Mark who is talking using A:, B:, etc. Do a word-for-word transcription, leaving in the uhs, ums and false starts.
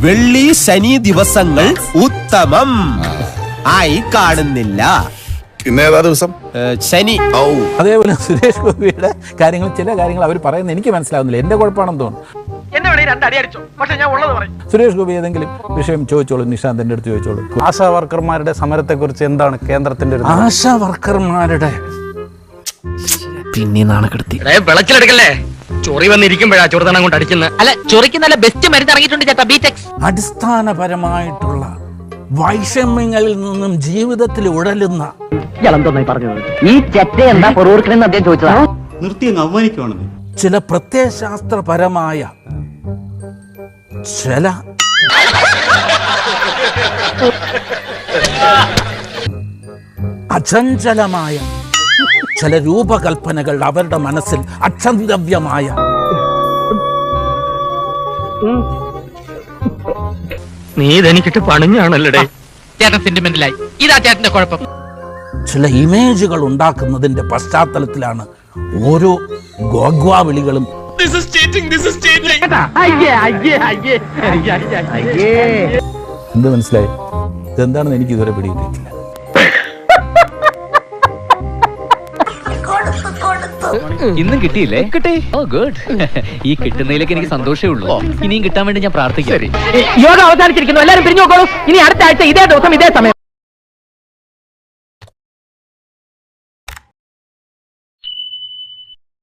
A: വെള്ളി ശനി ദിവസങ്ങൾ ഉത്തമം ആയി കാണുന്നില്ല.
B: ഇന്ന് ഏതാ ദിവസം?
A: ശനി.
C: അതേപോലെ സുരേഷ് ഗോപിയുടെ കാര്യങ്ങൾ, ചില കാര്യങ്ങൾ അവർ പറയുന്നത് എനിക്ക് മനസ്സിലാവുന്നില്ല. എന്റെ കുഴപ്പമാണെന്ന് തോന്നുന്നു. സുരേഷ് ഗോപി ഏതെങ്കിലും വിഷയം ചോദിച്ചോളൂ, നിഷാന്തിന്റെ അടുത്ത് ചോദിച്ചോളൂ.
D: ആശാ വർക്കർമാരുടെ സമരത്തെ കുറിച്ച് എന്താണ് കേന്ദ്രത്തിന്റെ?
C: ആശാ വർക്കർമാരുടെ
E: പിന്നെ നാണക്കെടുത്തി
F: വിളക്കിലെടുക്കല്ലേ? ചൊറി വന്നിരിക്കുമ്പോഴാ ചൊറുതണം കൊണ്ട് അടിക്കുന്നത്.
E: അല്ല, ചൊറിക്ക് നല്ല ബെസ്റ്റ് മരുന്ന് ഇറങ്ങിയിട്ടുണ്ട് ചേട്ടാ, ബീടെക്സ്.
C: അടിസ്ഥാനപരമായിട്ടുള്ള വൈഷമ്യങ്ങളിൽ നിന്നും ജീവിതത്തിൽ ഉഴലുന്ന
G: പറഞ്ഞത് ഈ ചെറ്റ എന്താ പൊറൂർക്കണെന്ന് അദ്ദേഹം ചോദിച്ചതാ.
H: നിർത്തി അങ്ങ് അവമാനിക്കുവാണെന്ന്.
C: ചില പ്രത്യയശാസ്ത്രപരമായ ചില അചഞ്ചലമായ ചില രൂപകൽപ്പനകൾ അവരുടെ മനസ്സിൽ അക്ഷന്തവ്യമായ
F: നീ ഇതെനിക്കിട്ട് പണിഞ്ഞാണല്ലേ?
E: ചേട്ടൻ സെന്റിമെന്റിലായി. ഇതാ ചേട്ടന്റെ കുഴപ്പം.
C: ചില ഇമേജുകൾ ഉണ്ടാക്കുന്നതിന്റെ പശ്ചാത്തലത്തിലാണ് ഓരോ ഗോഗ്വാ വിളികളും. എന്ത് മനസ്സിലായി? ഇതെന്താണെന്ന് എനിക്ക് ഇതുവരെ പിടികിട്ടിയിട്ടില്ല.
E: ഇന്നും കിട്ടിയില്ലേ? കിട്ടി. Oh good. ഈ കിട്ടുന്നതിലേക്ക് എനിക്ക് സന്തോഷമേ ഉള്ളൂ. ഇനിയും കിട്ടാൻ വേണ്ടി ഞാൻ പ്രാർത്ഥിക്കാം.
G: യോഗ അവസാനിച്ചിരിക്കുന്നു. എല്ലാവരും പിരിഞ്ഞു നോക്കോളൂ. ഇനി അടുത്ത ആഴ്ച ഇതേ ദിവസം ഇതേ സമയം.